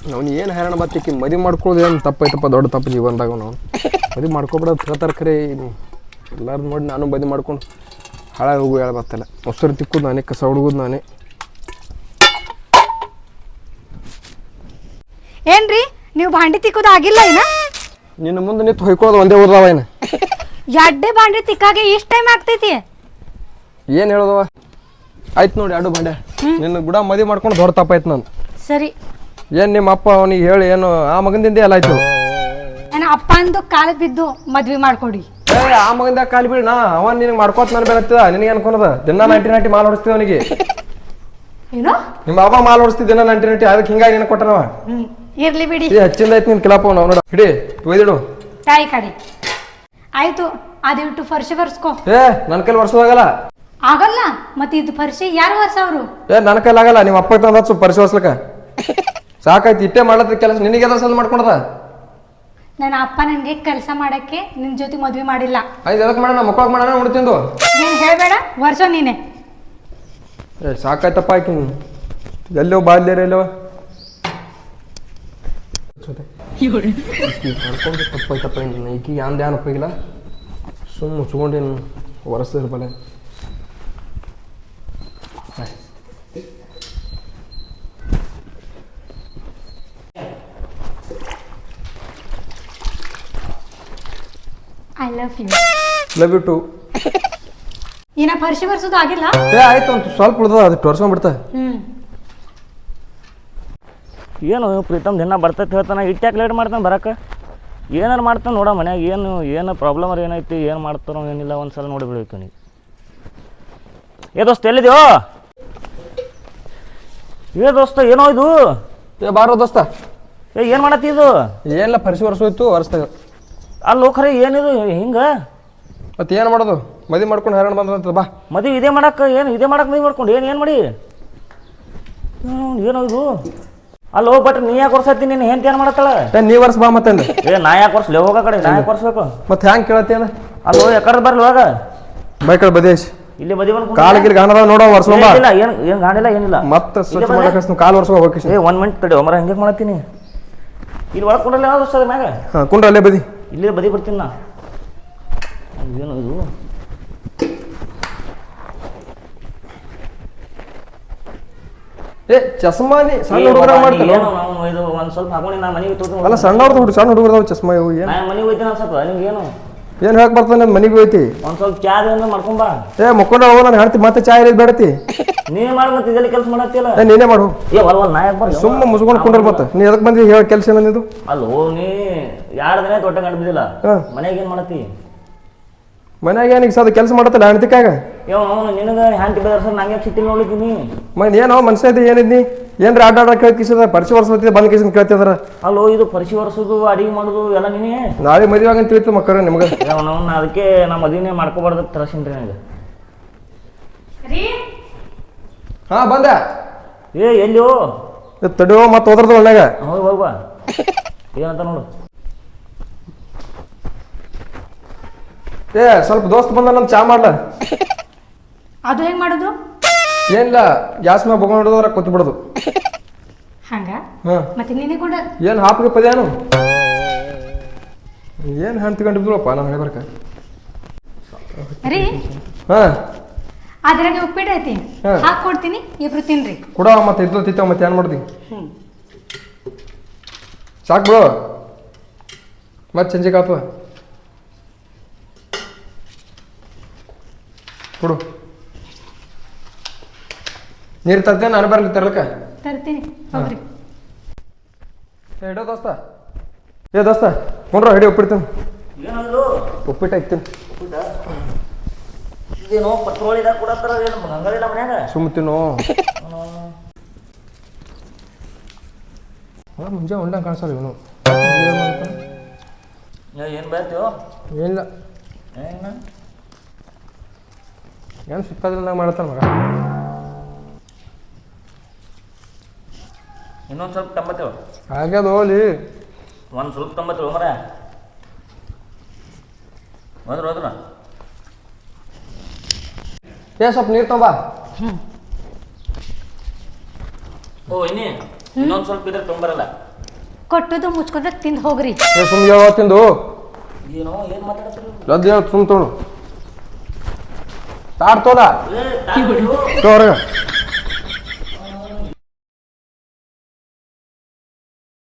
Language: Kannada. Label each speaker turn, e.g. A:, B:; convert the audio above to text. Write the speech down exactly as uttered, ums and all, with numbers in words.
A: ಅವ್ನು ಏನು ಹೈರಾಣ ಬತ್ತಿಕ್ಕಿ ಮದುವೆ ಮಾಡ್ಕೊಳ್ಳೋದು ಏನು ತಪ್ಪೈತಪ್ಪ, ದೊಡ್ಡ ತಪ್ಪು ಜೀವನದಾಗ ನಾವು ಮದುವೆ ಮಾಡ್ಕೊಬಿಡೋದು ಹೇಳ್ತಾರೆ ಖರೆ. ಎಲ್ಲರೂ ನೋಡಿ ನಾನು ಮದುವೆ ಮಾಡ್ಕೊಂಡು ಹಾಳಾಗಿ ಹೋಗು ಹೇಳ ಬತ್ತಲ್ಲ. ಮೊಸರು ತಿಕ್ಕೋದು ನಾನೇ, ಕಸ ಹುಡುಗೋದು ನಾನೇ.
B: ಏನ್ರಿ ನೀವು ಭಾಂಡಿ ತಿಕ್ಕೋದು ಆಗಿಲ್ಲ ಏನ?
A: ನಿನ್ನ ಮುಂದೆ ನಿಂತು ಹೊಯ್ಕೊಳ್ಳೋದು ಒಂದೇ ಓದವ ಏನು?
B: ಎಡ್ಡೆ ಭಾಂಡಿ ತಿಕ್ಕಾಗೆ ಇಷ್ಟು ಟೈಮ್ ಆಗ್ತೈತಿ?
A: ಏನು ಹೇಳೋದವ? ಆಯ್ತು ನೋಡಿ ಎರಡು ಭಾಂಡೆ. ನಿನ್ನ ಗುಡ ಮದುವೆ ಮಾಡ್ಕೊಂಡು ದೊಡ್ಡ ತಪ್ಪಾಯ್ತು ನಾನು.
B: ಸರಿ.
A: ಏನು ನಿಮ್ಮ ಅಪ್ಪ ಅವನಿಗೆ ಹೇಳಿ ಏನು ಆ ಮಗನಿಂದ ಎಲ್ಲ ಆಯ್ತು?
B: ನನ್ನ ಅಪ್ಪ ಅಂದು ಕಾಲ ಬಿದ್ದು ಮದ್ವೆ ಮಾಡ್ಕೊಡಿ.
A: ಏ ಆ ಮಗಂದ ಕಾಲಿ ಬಿಡಿ, ನಾ ಅವ ನಿನಗೆ ಮಾಡ್ಕೋತ ನಾನು ಬೇಕತ್ತದ. ನಿನಗೆ ಅನ್ಕೊನದ ದಿನ ನೈಂಟಿ ನೈಂಟಿ ಮಾಲ್ ಹೊಡಿಸ್ತೀವಿ ಅವನಿಗೆ.
B: ಏನು
A: ನಿಮ್ಮ ಅಪ್ಪ ಮಾಲ್ ಹೊಡಿಸ್ತಿದ್ದ ದಿನ ನೈಂಟಿ ನೈಂಟಿ, ಅದಕ್ಕೆ ಹಿಂಗಾಗಿ ನಿನಗೆ ಕೊಟ್ಟನವ.
B: ಹ್ಮ್ ಇರ್ಲಿ ಬಿಡಿ.
A: ಏ ಹಚ್ಚಿಂದ ಆಯ್ತು ನಿನ್ ಕಿಲಾಪ ನಾವು ನೋಡ. ಹಿಡಿ ಒಯ್ದಿಡು
B: ತಾಯಿ ಕಡೆ. ಆಯ್ತು ಅದಿಟ್ಟು ಫರ್ಶಿ ಬರ್ಸ್ಕೊ.
A: ಏ ನನ್ನ ಕೈಲಿ ವರ್ಷದಾಗಲ್ಲ.
B: ಆಗಲ್ಲ ಮತ್ತೆ ಇದು ಫರ್ಶಿ ಯಾರು ವರ್ಷ ಅವರು?
A: ಏ ನನ್ನ ಕೈಲಿ ಆಗಲ್ಲ. ನಿಮ್ಮ ಅಪ್ಪ ತಂದ ಸ್ವಲ್ಪ ಪರಿಸಿ ಹೊರ್ಸ್ಲಕ್ಕ ಸಾಕಾಯ್ತು. ಇಟ್ಟೆ ಮಾಡ್ಲತ್ತ ಕೆಲಸ ನಿನಗೆ ಎದ್ರ ಸಲ ಮಾಡ್ಕೊಂಡದ?
B: ನನ್ನ ಅಪ್ಪ ನನಗೆ ಕೆಲಸ ಮಾಡಕ್ಕೆ ನಿನ್ ಜೊತೆ ಮದ್ವೆ ಮಾಡಿಲ್ಲ.
A: ಆಯ್ತು ಎದಕ್ಕೆ ಮಾಡೋಣ, ಮಕ್ಕಳಾಗ ಮಾಡೋಣ ನೋಡ್ತಿಂದು.
B: ನೀನ್ ಹೇಳ್ಬೇಡ, ವರ್ಷ ನೀನೆ.
A: ಏ ಸಾಕಾಯ್ತಪ್ಪ ಆಯ್ತು. ಎಲ್ಲೋ ಬಾಲ್ಯರ ಎಲ್ಲವ ಮಾಡ್ಕೊಂಡು ತಪ್ಪಾಯ್ತಪ್ಪ. ಈಕಿ ಯಾಂದ ಏನು ಉಪಯೋಗಿಲ್ಲ, ಸುಮ್ಮ ಮುಚ್ಕೊಂಡೇನು ಒರೆಸ್ತಿರ್ಬಲ್ಲ.
B: I love you.
A: Love you too.
B: ಏನ ಫರ್ಶಿ ಬರ್ಸೋದು ಆಗಿಲ್ಲ?
A: ಏ ಆಯ್ತು ಅಂತ ಸ್ವಲ್ಪ ಉಳ್ದ, ಅದು ಟೊರ್ಸ್ಕೊಂಡ್ಬಿಡ್ತಾ.
B: ಹ್ಮ್
C: ಏನು ಪ್ರೀತಮ್ ದಿನ ಬರ್ತೈತೆ ಹೇಳ್ತಾನೆ, ಇಟ್ಟ್ಯಾಕೆ ಲೇಟ್ ಮಾಡ್ತಾನೆ ಬರಕ್ಕೆ? ಏನಾರು ಮಾಡ್ತಾನೆ ನೋಡ ಮನ್ಯಾಗ. ಏನು ಏನು ಪ್ರಾಬ್ಲಮ್ ಅವ್ರು ಏನೈತಿ, ಏನು ಮಾಡ್ತಾರೋ ಏನಿಲ್ಲ ಒಂದು ಸಲ ನೋಡಿ ಬಿಡಬೇಕು ನೀವು. ಏ ದೋಸ್ತ ಎಲ್ಲಿದ್ಯೋ? ಏ ದೋಸ್ತ ಏನೋ ಇದು?
A: ಏ ಬಾರೋ ದೋಸ್ತ.
C: ಏ ಏನು ಮಾಡತ್ತಿ ಇದು?
A: ಏನಿಲ್ಲ ಪರಿಸಿ ವರ್ಷೋಯ್ತು ಒರೆಸ್ದಾಗ.
C: ಅಲ್ಲೋ ಖರೆ ಏನಿದು ಹಿಂಗೆ?
A: ಮತ್ತೆ ಏನು ಮಾಡೋದು, ಮದುವೆ ಮಾಡ್ಕೊಂಡು ಹೈರಾಣ ಬಂದಂತ. ಬಾ
C: ಮದುವೆ ಇದೇ ಮಾಡಕ್ಕೆ, ಏನು ಇದೇ ಮಾಡಕ್ಕೆ ಮದುವೆ ಮಾಡ್ಕೊಂಡು ಏನು ಏನು ಮಾಡಿ ಏನೋ ಇದು? ಅಲ್ಲೋ ಬಟ್ ನೀ ಯಾಕೆ ವರ್ಷತಿ? ನೀನು ಹೆಂತ ಏನು ಮಾಡತ್ತಳ?
A: ಏ ನೀ ವರ್ಷ ಬಾ ಮತ್ತೆ.
C: ಏ ನಾ ಯಾಕೆ ವರ್ಷ ಹೋಗೋ ಕಡೆ ನಾ ಯಾಕೆ ವರ್ಷಬೇಕು?
A: ಮತ್ತೆ ಹ್ಯಾಂಗೆ ಕೇಳತ್ತೇನ?
C: ಅಲ್ಲೋ ಯಾಕಡೆ ಬರ್ಲಿ ಹೋಗ
A: ಬೈ ಕಡೆ ಬದೇಶ್
C: ಇಲ್ಲಿ ಮದುವೆ ಮಾಡ್ಕೊಂಡು
A: ಕಾಲಿಗೆ ಗಾಣದ ನೋಡೋ ವರ್ಷ ಬಾ.
C: ಇಲ್ಲ ಏನು ಏನು ಗಾಣಿಲ್ಲ ಏನಿಲ್ಲ.
A: ಮತ್ತೆ ಸ್ವಚ್ಛ ಮಾಡಕ್ಕೆ ಕಾಲು ವರ್ಷ ಹೋಗ್ಬೇಕು.
C: ಏ ಒನ್ ಮಿನಿಟ್ ತಡೆ ಒಮ್ಮರ ಹೆಂಗೆ ಮಾಡತ್ತೀನಿ. ಇಲ್ಲಿ ಒಳಗೆ ಕುಂಡ್ರಲ್ಲ ಯಾವ್ದು ವರ್ಷ ಮ್ಯಾಗ?
A: ಹಾಂ ಕುಂಡ್ರ ಅಲ್ಲೇ ಬದಿ.
C: ಇಲ್ಲೇ ಬದಿ ಬರ್ತೀನಿ ನಾ. ಏನು ಇದು?
A: ಏ ಚಸ್ಮಾನಿ ಸಣ್ಣ ಹುಡುಗರ ಮಾಡ್ತಾರೆ.
C: ಏನು ನಾವು ಇದು ಒಂದು ಸ್ವಲ್ಪ ಹಾಕೊಂಡು ನಾ ಮನೆಗೆ ತೋಟ.
A: ಅಲ್ಲ ಸಣ್ಣವ್ರದ್ದು ಹುಡುಗ ಸಣ್ಣ ಹುಡುಗರದಾವ ಚಸ್ಮಾ ಇವು. ಏನು
C: ನಾ ಮನೆಗೆ ಹೋಯ್ತೀನಿ ಅನ್ಸತ್ತ ನಿಮ್ಗೆ? ಏನು
A: ಏನು ಹೇಳಕ್ ಬರ್ತಾನೆ ಮನೆಗೆ ಹೋಯ್ತಿ?
C: ಒಂದು ಸ್ವಲ್ಪ ಚಾ ಏನಾರ ಮಾಡ್ಕೊಂಬಾ.
A: ಏ ಮುಕ್ಕೊಂಡ ಹೋಗೋ ನಾನು ಹೇಳ್ತಿ ಮತ್ತೆ ಚಾ ಇರೋದು ಬೇಡತಿ.
C: ನೀನೇ ಮಾಡಿ ಮತ್ತೆ ಇದೆಲ್ಲ ಕೆಲಸ ಮಾಡತ್ತಿಲ್ಲ.
A: ಏ ನೀನೇ ಮಾಡು.
C: ಏ ಒಲ್ ಒಲ್ ನಾ ಯಾಕೆ ಬರ್ಲಿ?
A: ಸುಮ್ಮ ಮುಸ್ಕೊಂಡು ಕುಂಡ್ರ ಮತ್ತೆ. ನೀ ಎದಕ್ಕೆ ಬಂದಿ ಹೇಳ ಕೆಲಸ ಏನಿದು?
C: ಅಲ್ಲೋ ನೀ ಎರಡು ದಿನ ದೊಡ್ಡ ಗಂಡು ಬಿದ್ದಿಲ್ಲ, ಮನೆಗೆ ಏನು ಮಾಡತ್ತಿ?
A: ಮನ್ಯಾಗ ಏನೀಗ ಸದ ಕೆಲಸ ಮಾಡತ್ತಲ್ಲ ಹೆಣ್ತಿಕಾಗ.
C: ಯಾವ ಅವನು ನಿನಗೆ ಹ್ಯಾಂಟಿ ಬೆದರ್ಸ ನಂಗೆ ಸಿಟ್ಟಿ ನೋಡ್ಲಿದ್ದೀನಿ.
A: ಮನ್ ಏನೋ ಮನುಷ್ಯ ಇದ್ದ ಏನಿದ್ನಿ ಏನ್ರ ಆಟ ಆಡ ಕೇಳ್ಕಿಸದ ಪರಿಚಯ ವರ್ಷ ಬಂದ್ ಕಿಸನ್ ಕೇಳ್ತಿದಾರ.
C: ಅಲ್ಲೋ ಇದು ಪರಿಚಯ ವರ್ಷದು ಅಡಿಗೆ ಮಾಡೋದು ಎಲ್ಲ ನೀನೇ.
A: ನಾಳೆ ಮದುವೆ ಆಗಂತ ತಿಳಿತು ಮಕ್ಕಳ ನಿಮ್ಗೆ.
C: ಅವನು ಅದಕ್ಕೆ ನಾ ಮದುವೆನೇ ಮಾಡ್ಕೋಬಾರ್ದು ತರಸಿನ್ರಿ ನನಗೆ.
A: ಹಾ ಬಂದೆ.
C: ಏ ಎಲ್ಲಿಯೋ
A: ತಡಿಯೋ ಮತ್ತೆ ಹೋದ್ರದು ಒಳ್ಳೆಗ.
C: ಹೋಗಿ ಹೋಗ್ಬಾ. ಏನಂತ ನೋಡು.
A: ಏ ಸ್ವಲ್ಪ ದೋಸ್ತ್ ಬಂದ ನಮ್ ಚಾ ಮಾಡ್ಲ.
B: ಅದು ಹೆಂಗ್ ಮಾಡೋದು?
A: ಏನಿಲ್ಲ ಗ್ಯಾಸ್ ಮ್ಯಾಗ ಬೊಗೊಂಡ್ ಹಿಡಿದವ್ರ ಕೂತ್ ಬಿಡೋದು
B: ಹಂಗ.
A: ಹಾ
B: ಮತ್ತೆ ನೀನೇ ಕೂಡ
A: ಏನು ಹಾಪಿಗೆ ಪದೇನು ಏನು ಹಂಚ್ಕೊಂಡಿದ್ರಪ್ಪ ನಾನು ಹೇಳ್ಬರ್ಕ.
B: ರೀ
A: ಹಾ
B: ಅದ್ರಾಗೆ ಉಪ್ಪಿಟ್ಟು ಐತಿ, ಹಾಕಿ ಕೊಡ್ತೀನಿ, ಇಬ್ರು ತಿನ್ರಿ.
A: ಕೊಡ ಮತ್ತೆ ಇದ್ದು ತಿತ್ತಾವ ಮತ್ತೆ ಏನು ಮಾಡ್ದಿ? ಸಾಕು ಬಿಡು ಮತ್ತೆ ಸಂಜೆಗೆ ಆತವ. ಕೊಡು ನೀರು ತರ್ತೇನೆ ನಾನು ಬರ್ಲಿ ತರ್ಲಕ್ಕ.
B: ತರ್ತೀನಿ ಹೋಗ್ರಿ.
A: ಹಿಡೋ ದೋಸ್ತ. ಏ ದೋಸ್ತ ಕೊಂಡ್ರ ಹಿಡಿ ಉಪ್ಪಿಡ್ತೀನಿ.
C: ಏನದು
A: ಉಪ್ಪಿಟ್ಟು ಐತೀನಿ.
C: ಇದೇನೋ ಪತ್ರೋಳಿದಾಗ ಕೊಡತ್ತಾರ ಏನು ಹಂಗಲಿಲ್ಲ ಮನ್ಯಾಗ?
A: ಸುಮ್ಮ ತಿನ್ನು. ಮುಂಜೆ ಉಂಡಂಗೆ ಕಾಣಿಸಲ್ಲ ಇವನು.
C: ಏನು ಬೇಡ್ತೀವೋ?
A: ಏನಿಲ್ಲ
C: ಏನು
A: ಏನು ಸಿಕ್ಕಾದ್ರಿಂದ ಮಾಡ್ತಾನೆ ಮಗ.
C: ಇನ್ನೊಂದು ಸ್ವಲ್ಪ ತಂಬತ್ತೇವ
A: ಆಗ್ಯದ ಹೋಲಿ.
C: ಒಂದು ಸ್ವಲ್ಪ ತಂಬತ್ತೇವ ಮರ ಹೋದ್ರ ಹೋದ್ರ.
A: ಏ ಸ್ವಲ್ಪ ನೀರು ತೊಂಬ.
C: ಓ ಇನ್ನಿ ಇನ್ನೊಂದು ಸ್ವಲ್ಪ ಇದ್ರೆ ತೊಂಬರಲ್ಲ.
B: ಕೊಟ್ಟದು ಮುಚ್ಕೊಂಡ್ರೆ ತಿಂದು ಹೋಗ್ರಿ.
A: ಸುಮ್ ಯಾವ ತಿಂದು
C: ಏನೋ ಏನು ಮಾತಾಡ್ತೀರಿ
A: ಲದ್ದ ಸುಮ್ ತೊಳು ತಾಡ್ತೋದ ತೋರ್ಗ